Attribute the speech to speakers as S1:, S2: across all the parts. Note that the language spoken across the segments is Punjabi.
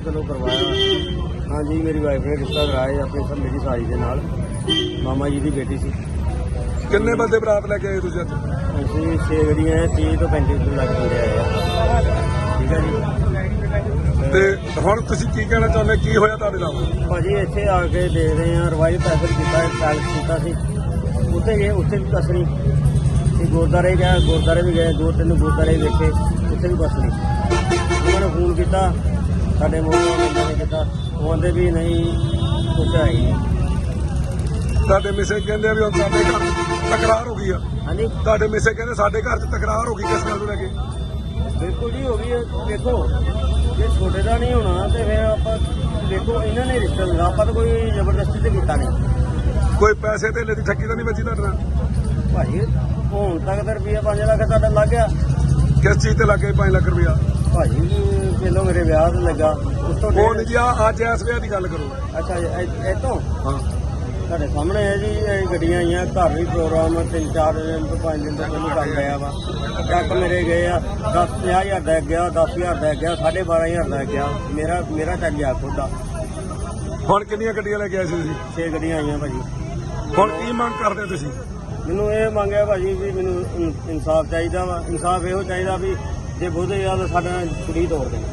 S1: चलो करवाया। हाँ जी, मेरी वाइफ ने रिश्ता कराया अपनी सब मेरी साली के नाल, मामा जी की बेटी सी।
S2: किन्ने बंदे बरात लेके आए तुसीं अज?
S1: ਅਸੀਂ 6 ਗੱਡੀਆਂ 30 ਤੋਂ 35 ਲੱਖ ਬੰਦੇ ਆਏ ਆ। ਠੀਕ ਹੈ ਜੀ।
S2: ਤੇ ਹੁਣ ਤੁਸੀਂ ਕੀ ਕਹਿਣਾ ਚਾਹੁੰਦੇ, ਕੀ ਹੋਇਆ ਤੁਹਾਡੇ ਨਾਲ?
S1: ਭਾਜੀ ਇੱਥੇ ਆ ਕੇ ਦੇਖਦੇ ਆ, ਰਵਾਈ ਪੈਸਲ ਕੀਤਾ, ਪੈਲਸ ਕੀਤਾ ਸੀ, ਉੱਥੇ ਗਏ, ਉੱਥੇ ਵੀ ਕੁਛ ਨਹੀਂ ਤੇ ਗੁਰਦੁਆਰੇ ਗਏ, ਗੁਰਦੁਆਰੇ ਵੀ ਗਏ, 2-3 ਗੁਰਦੁਆਰੇ ਵੇਖੇ, ਉੱਥੇ ਵੀ ਕੁਛ ਨਹੀਂ। ਉਹਨਾਂ ਨੇ ਫੋਨ ਕੀਤਾ, ਸਾਡੇ ਮੋਹਨ ਬੰਦੇ ਨੇ ਕੀਤਾ, ਉਹ ਕਹਿੰਦੇ ਵੀ ਨਹੀਂ ਕੁਛ ਹੈ ਹੀ ਨਹੀਂ।
S2: ਤੁਹਾਡੇ ਮਿਸੇ ਕਹਿੰਦੇ ਆ ਵੀ ਹੁਣ ਸਾਡੇ ਘਰ ਤਕਰਾਰ ਹੋ ਗਈ ਆ।
S1: ਹਾਂਜੀ,
S2: ਤੁਹਾਡੇ ਮਿਸੇ ਕਹਿੰਦੇ ਸਾਡੇ ਘਰ 'ਚ ਤਕਰਾਰ ਹੋ ਗਈ, ਕਿਸ ਗੱਲ ਨੂੰ ਲੈ ਕੇ?
S1: ਬਿਲਕੁਲ ਜੀ ਹੋ ਗਈ ਹੈ। ਦੇਖੋ ਜੇ ਛੋਟੇ ਦਾ ਨਹੀਂ ਹੋਣਾ ਤੇ ਫਿਰ ਆਪਾਂ ਦੇਖੋ ਇਹਨਾਂ ਨੇ ਰਿਸ਼ਤਾ ਲਗਾ, ਆਪਾਂ ਤਾਂ ਕੋਈ ਜ਼ਬਰਦਸਤੀ ਤੇ ਕੀਤਾ ਨਹੀਂ।
S2: ਕੋਈ ਪੈਸੇ ਧੇਲੇ ਦੀ ਠੱਗੀ ਤਾਂ ਨਹੀਂ ਵੱਜੀ ਤੁਹਾਡੇ ਨਾਲ?
S1: ਭਾਜੀ ਹੁਣ ਤੱਕ ਤਾਂ ਰੁਪਈਆ 5 ਲੱਖ ਤੁਹਾਡਾ ਲੱਗ ਗਿਆ।
S2: ਕਿਸ ਚੀਜ਼ ਤੇ ਲੱਗੇ 5 ਲੱਖ ਰੁਪਇਆ?
S1: ਭਾਜੀ ਪਹਿਲੋਂ ਮੇਰੇ ਵਿਆਹ ਤੇ ਲੱਗਾ, ਉਸ ਤੋਂ
S2: ਉਹ ਨਹੀਂ ਜੀ, ਅੱਜ ਇਸ ਵਿਆਹ ਦੀ ਗੱਲ ਕਰੋ।
S1: ਅੱਛਾ ਜੀ, ਇਹ ਤੋਂ
S2: ਹਾਂ,
S1: ਤੁਹਾਡੇ ਸਾਹਮਣੇ ਹੈ ਜੀ, ਇਹ ਗੱਡੀਆਂ ਆਈਆਂ, ਘਰ ਵੀ ਪ੍ਰੋਗਰਾਮ 3-4 ਦਿਨ ਤੋਂ 5 ਦਿਨ ਤੋਂ ਪਹਿਲਾਂ ਕਰ ਲਿਆ ਵਾ। ਟਰੱਕ ਮੇਰੇ ਗਏ ਆ, 50,000 ਦਾ ਗਿਆ, 10,000 ਦਾ ਗਿਆ, 12,500 ਦਾ ਗਿਆ, ਮੇਰਾ ਚੱਕ ਗਿਆ ਖੁਦ ਦਾ।
S2: ਹੁਣ ਕਿੰਨੀਆਂ ਗੱਡੀਆਂ ਲੈ ਕੇ ਆਏ ਸੀ ਤੁਸੀਂ?
S1: 6 ਗੱਡੀਆਂ ਆਈਆਂ ਭਾਜੀ।
S2: ਹੁਣ ਕੀ ਮੰਗ ਕਰਦੇ ਤੁਸੀਂ?
S1: ਮੈਨੂੰ ਇਹ ਮੰਗਿਆ ਭਾਜੀ ਵੀ ਮੈਨੂੰ ਇਨਸਾਫ ਚਾਹੀਦਾ ਵਾ। ਇਨਸਾਫ ਇਹੋ ਚਾਹੀਦਾ ਵੀ ਜੇ ਬੋਧੇ ਆ ਤਾਂ ਸਾਡਾ ਕੁੜੀ ਤੋੜ ਦੇ।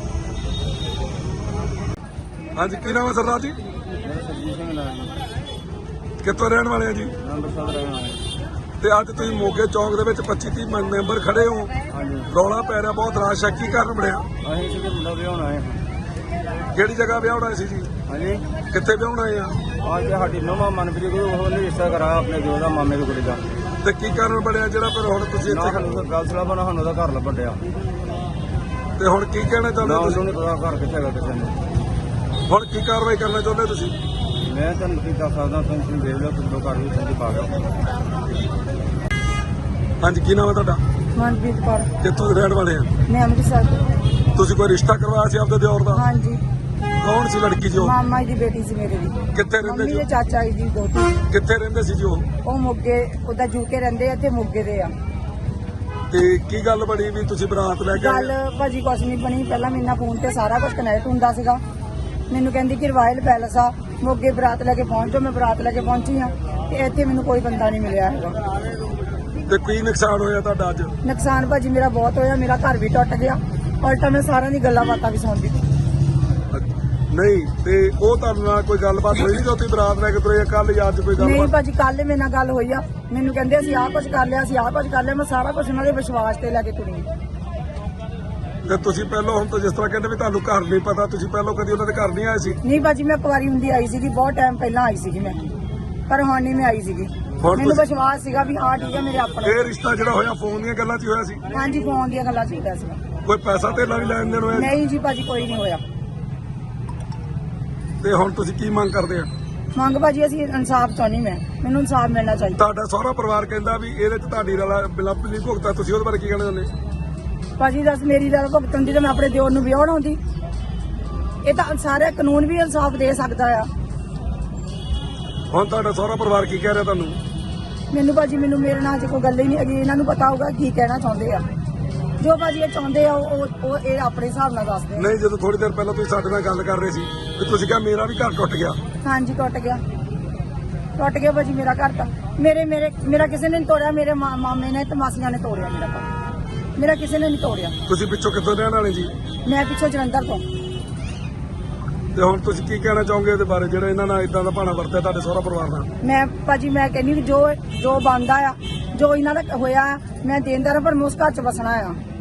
S2: ਹਾਂਜੀ, ਕੀ ਨਾਮ ਹੈ ਸਰਦਾਰ ਜੀ?
S1: ਮੇਰਾ ਸਰਜੀਤ ਸਿੰਘ ਨਾਮ ਜੀ,
S2: ਕਿੱਥੋਂ ਰਹਿਣ ਵਾਲੇ ਆ ਜੀ?
S1: ਅੰਮ੍ਰਿਤਸਰ ਰਹਿਣ ਵਾਲੇ।
S2: ਤੇ ਅੱਜ ਤੁਸੀਂ ਮੋਗੇ ਚੌਂਕ ਦੇ ਵਿੱਚ 25-30 ਮੈਂਬਰ ਖੜੇ ਹੋ,
S1: ਹਾਂਜੀ,
S2: ਰੌਲਾ ਪੈ ਰਿਹਾ, ਬਹੁਤ ਰਾਸ਼ ਹੈ, ਕੀ ਕਾਰਨ ਬਣਿਆ?
S1: ਅਸੀਂ ਸੀਗੇ ਮੁੰਡਾ ਵਿਆਹੁਣ ਆਏ।
S2: ਕਿਹੜੀ ਜਗ੍ਹਾ ਵਿਆਹ ਹੋਣਾ ਸੀ ਜੀ?
S1: ਹਾਂਜੀ,
S2: ਕਿੱਥੇ ਵਿਆਹੁਣ ਆਏ ਆ?
S1: ਅੱਜ ਸਾਡੀ ਨਵਾਂ ਮਨਪ੍ਰੀਤ ਕੋਲ ਉਹਨੇ ਰਿਸ਼ਤਾ ਕਰਾਇਆ ਆਪਣੇ ਜੋ ਦਾ ਮਾਮੇ ਦੀ ਕੁੜੀ ਦਾ।
S2: ਤੇ ਕੀ ਕਾਰਨ ਬਣਿਆ ਜਿਹੜਾ ਫਿਰ ਹੁਣ ਤੁਸੀਂ
S1: ਨਾ
S2: ਇੱਥੇ
S1: ਸਾਨੂੰ ਤਾਂ ਗੱਲ ਸਲਾ ਬਣਾ, ਸਾਨੂੰ ਉਹਦਾ ਘਰ ਲੱਭਣ ਡਿਆ।
S2: ਤੇ ਹੁਣ ਕੀ ਕਹਿਣਾ ਚਾਹੁੰਦੇ
S1: ਨਾ
S2: ਹੋ ਤੁਸੀਂ?
S1: ਉਹਨੂੰ ਨਹੀਂ ਪਤਾ ਘਰ ਕਿੱਥੇ ਹੈਗਾ ਕਿਸੇ ਨੂੰ।
S2: ਹੁਣ ਕੀ ਕਾਰਵਾਈ ਕਰਨਾ ਚਾਹੁੰਦੇ ਤੁਸੀਂ?
S1: ਮੈਂ ਤੁਹਾਨੂੰ ਕੀ ਦੱਸ ਸਕਦਾ, ਤੁਸੀਂ ਦੇਖ ਲਓ, ਕਿੰਦੋਂ ਘਰ ਵੀ ਸੰਦੀ ਪਾ ਗਿਆ।
S2: ਹਾਂਜੀ, ਕੀ ਨਾਮ ਹੈ ਤੁਹਾਡਾ?
S3: ਮਨਪ੍ਰੀਤ ਕੌਰ।
S2: ਕਿੱਥੋਂ ਦੇ ਰਹਿਣ ਵਾਲੇ ਆ?
S3: ਮੈਂ ਅੰਮ੍ਰਿਤਸਰ ਤੋਂ।
S2: ਤੁਸੀਂ ਕੋਈ ਰਿਸ਼ਤਾ ਕਰਵਾਇਆ ਸੀ ਆਪਦੇ ਦਿਓਰ ਦਾ?
S3: ਹਾਂਜੀ,
S2: ਕੌਣ ਸੀ ਲੜਕੀ ਜੀ ਉਹ?
S3: ਮਾਮਾ ਜੀ ਦੀ ਬੇਟੀ ਸੀ ਮੇਰੇ ਦੀ।
S2: ਕਿੱਥੇ ਰਹਿੰਦੇ
S3: ਮੰਮੀ
S2: ਜੀ
S3: ਦੇ
S2: ਉਹ?
S3: ਚਾਚਾ ਜੀ ਦੀ ਦੋਤੀ।
S2: ਕਿੱਥੇ ਰਹਿੰਦੇ ਸੀ ਜੀ ਉਹ?
S3: ਉਹ ਮੋਗੇ, ਉਹਦਾ ਜੂਕੇ ਰਹਿੰਦੇ ਆ, ਇੱਥੇ ਮੋਗੇ ਦੇ ਆ।
S2: ਤੇ ਕੀ ਗੱਲ ਬਣੀ ਵੀ ਤੁਸੀਂ ਬਰਾਤ ਲੈ ਕੇ ਆਏ?
S3: ਗੱਲ ਭਾਜੀ ਕੁਛ ਨਹੀਂ ਬਣੀ। ਪਹਿਲਾਂ ਮੇਰੇ ਨਾਲ ਫੋਨ ਤੇ ਸਾਰਾ ਕੁਝ ਕਨੈਕਟ ਹੁੰਦਾ ਸੀਗਾ। ਮੈਨੂੰ ਕਹਿੰਦੀ ਕਿ ਰਾਇਲ ਪੈਲਸ ਆ ਮੋਗੇ, ਬਰਾਤ ਲੈ ਕੇ ਪਹੁੰਚੋ। ਮੈਂ ਬਰਾਤ ਲੈ ਕੇ ਪਹੁੰਚੀ ਆ ਤੇ ਇੱਥੇ ਮੈਨੂੰ ਕੋਈ ਬੰਦਾ ਨਹੀਂ ਮਿਲਿਆ ਹੈਗਾ।
S2: ਤੇ ਕੀ ਨੁਕਸਾਨ ਹੋਇਆ ਤੁਹਾਡਾ ਅੱਜ?
S3: ਨੁਕਸਾਨ ਭਾਜੀ ਮੇਰਾ ਬਹੁਤ ਹੋਇਆ। ਮੇਰਾ ਘਰ ਵੀ ਟੁੱਟ ਗਿਆ, ਉਲਟਾ ਮੈਂ ਸਾਰਿਆਂ ਦੀ ਗੱਲਾਂ ਬਾਤਾਂ ਵੀ ਸੁਣਦੀ।
S2: ਨਹੀਂ, ਤੇ ਉਹ ਤੁਹਾਡੇ ਨਾਲ ਕੋਈ ਗੱਲਬਾਤ ਹੋਈ ਨਹੀਂ? ਤੁਸੀਂ ਬਰਾਤ ਲੈ ਕੇ ਤੁਰੇ ਕੱਲ ਜਾਂ ਅੱਜ ਕੋਈ
S3: ਨਹੀਂ
S2: ਗੱਲਬਾਤ?
S3: ਭਾਜੀ, ਕੱਲ ਮੇਰੇ ਨਾਲ ਗੱਲ ਹੋਈ ਆ। ਮੈਨੂੰ ਕਹਿੰਦੇ ਅਸੀਂ ਆਹ ਕੁਝ ਕਰ ਲਿਆ, ਅਸੀਂ ਆਹ ਕੁਝ ਕਰ ਲਿਆ। ਮੈਂ ਸਾਰਾ ਕੁਝ ਉਹਨਾਂ ਦੇ ਵਿਸ਼ਵਾਸ ਤੇ ਲੈ ਕੇ ਤੁਰੀ।
S2: ਤੇ ਤੁਸੀਂ ਪਹਿਲਾਂ, ਹੁਣ ਤਾਂ ਜਿਸ ਤਰ੍ਹਾਂ ਕਹਿੰਦੇ ਵੀ ਤੁਹਾਨੂੰ ਘਰ ਨਹੀਂ ਪਤਾ, ਤੁਸੀਂ ਪਹਿਲਾਂ ਕਦੀ ਉਹਨਾਂ ਦੇ ਘਰ ਨਹੀਂ ਆਏ ਸੀ?
S3: ਨਹੀਂ ਭਾਜੀ, ਮੈਂ ਕੁਆਰੀ ਹੁੰਦੀ ਆਈ ਸੀਗੀ, ਬਹੁਤ ਟਾਈਮ ਪਹਿਲਾਂ ਆਈ ਸੀਗੀ ਮੈਂ, ਪਰ ਹੁਣ ਨਹੀਂ ਮੈਂ ਆਈ ਸੀਗੀ।
S2: ਹੁਣ
S3: ਮੈਨੂੰ
S2: ਤੁਸੀਂ-
S3: ਵਿਸ਼ਵਾਸ ਸੀਗਾ ਵੀ ਹਾਂ ਠੀਕ ਹੈ ਮੇਰੇ ਆਪਣੇ।
S2: ਇਹ ਰਿਸ਼ਤਾ ਜਿਹੜਾ ਹੋਇਆ ਫੋਨ ਦੀਆਂ ਗੱਲਾਂ 'ਚ ਹੀ ਹੋਇਆ ਸੀ?
S3: ਹਾਂਜੀ, ਫੋਨ ਦੀਆਂ ਗੱਲਾਂ ਚੀਤਾ ਸੀ।
S2: ਕੋਈ ਪੈਸਾ ਧੇਲਾ ਵੀ ਲੈਣ ਦੇਣ ਹੋਇਆ?
S3: ਨਹੀਂ ਜੀ ਭਾਜੀ, ਕੋਈ ਨਹੀਂ ਹੋਇਆ।
S2: ਤੇ ਹੁਣ ਤੁਸੀਂ ਕੀ ਮੰਗ ਕਰਦੇ ਆ?
S3: ਮੰਗ ਭਾਜੀ ਅਸੀਂ ਇਨਸਾਫ ਚਾਹੁੰਦੀ। ਮੈਨੂੰ ਇਨਸਾਫ ਮਿਲਣਾ ਚਾਹੀਦਾ।
S2: ਤੁਹਾਡਾ ਸਹੁਰਾ ਪਰਿਵਾਰ ਕਹਿੰਦਾ ਵੀ ਇਹਦੇ 'ਚ ਤੁਹਾਡੀ ਰਲਾ ਬਿਲਕੁਲ ਨਹੀਂ ਭੁਗਤਾ, ਤੁਸੀਂ ਉਹਦੇ ਬਾਰੇ ਕੀ ਕਹਿਣਾ ਚਾਹੁੰਦੇ?
S3: ਭਾਜੀ ਦੱਸ, ਮੇਰੀ ਦਾ ਭੁਗਤਣ ਦੀ ਤਾਂ ਮੈਂ ਆਪਣੇ ਦਿਓਰ ਨੂੰ ਵਿਆਹਣ ਆਉਂਦੀ। ਇਹ ਤਾਂ ਸਾਰੇ ਕਾਨੂੰਨ ਵੀ ਇਨਸਾਫ ਦੇ ਸਕਦਾ ਆ।
S2: ਹੁਣ ਤੁਹਾਡਾ ਸਹੁਰਾ ਪਰਿਵਾਰ ਕੀ ਕਹਿ ਰਿਹਾ ਤੁਹਾਨੂੰ?
S3: ਮੈਨੂੰ ਭਾਜੀ, ਮੈਨੂੰ ਮੇਰੇ ਨਾਲ ਜੇ ਕੋਈ ਗੱਲ ਹੀ ਨਹੀਂ ਹੈਗੀ। ਇਹਨਾਂ ਨੂੰ ਪਤਾ ਹੋਊਗਾ ਕੀ ਕਹਿਣਾ ਚਾਹੁੰਦੇ ਆ। ਜੋ ਭਾਜੀ ਇਹ ਚਾਹੁੰਦੇ ਆ ਉਹ ਇਹ ਆਪਣੇ ਹਿਸਾਬ ਨਾਲ ਦੱਸਦੇ ਆ।
S2: ਨਹੀਂ, ਜਦੋਂ ਥੋੜੀ ਦੇਰ ਪਹਿਲਾਂ ਤੁਸੀਂ ਸਾਡੇ ਨਾਲ ਗੱਲ ਕਰ ਰਹੇ ਸੀ ਤੇ ਤੁਸੀਂ ਕਿਹਾ ਮੇਰਾ ਵੀ ਘਰ ਟੁੱਟ ਗਿਆ।
S3: ਹਾਂਜੀ, ਟੁੱਟ ਗਿਆ ਭਾਜੀ ਮੇਰਾ ਘਰ ਤਾਂ। ਮੇਰਾ ਕਿਸੇ ਨੇ ਨਹੀਂ ਤੋੜਿਆ। ਮੇਰੇ ਮਾਮੇ ਨੇ ਤੇ ਮਾਸੀਆਂ ਨੇ ਤੋੜਿਆ ਮੇਰਾ ਘਰ। ਮੇਰਾ ਕਿਸੇ ਨੇ ਨਹੀਂ ਤੋੜਿਆ।
S2: ਤੁਸੀਂ ਪਿੱਛੋਂ ਕਿੱਥੋਂ ਰਹਿਣ ਵਾਲੇ ਜੀ?
S3: ਮੈਂ ਪਿੱਛੋਂ ਜਲੰਧਰ ਤੋਂ।
S2: ਤੇ ਹੁਣ ਤੁਸੀਂ ਕੀ ਕਹਿਣਾ ਚਾਹੋਗੇ ਇਹਦੇ ਬਾਰੇ, ਜਿਹੜਾ ਇਹਨਾਂ ਨਾਲ ਇਦਾਂ ਦਾ ਭਾਣਾ ਵਰਤਿਆ ਤੁਹਾਡੇ ਸਹੁਰਾ ਪਰਿਵਾਰ ਨਾਲ?
S3: ਮੈਂ ਭਾਜੀ ਮੈਂ ਕਹਿੰਦੀ ਵੀ ਜੋ ਬਣਦਾ ਆ, ਜੋ ਇਹਨਾਂ ਦਾ ਹੋਇਆ, ਮੈਂ ਦੇਣਦਾਰ, ਪਰ ਮੈਂ ਉਸ ਘਰ 'ਚ ਵਸਣਾ ਆ।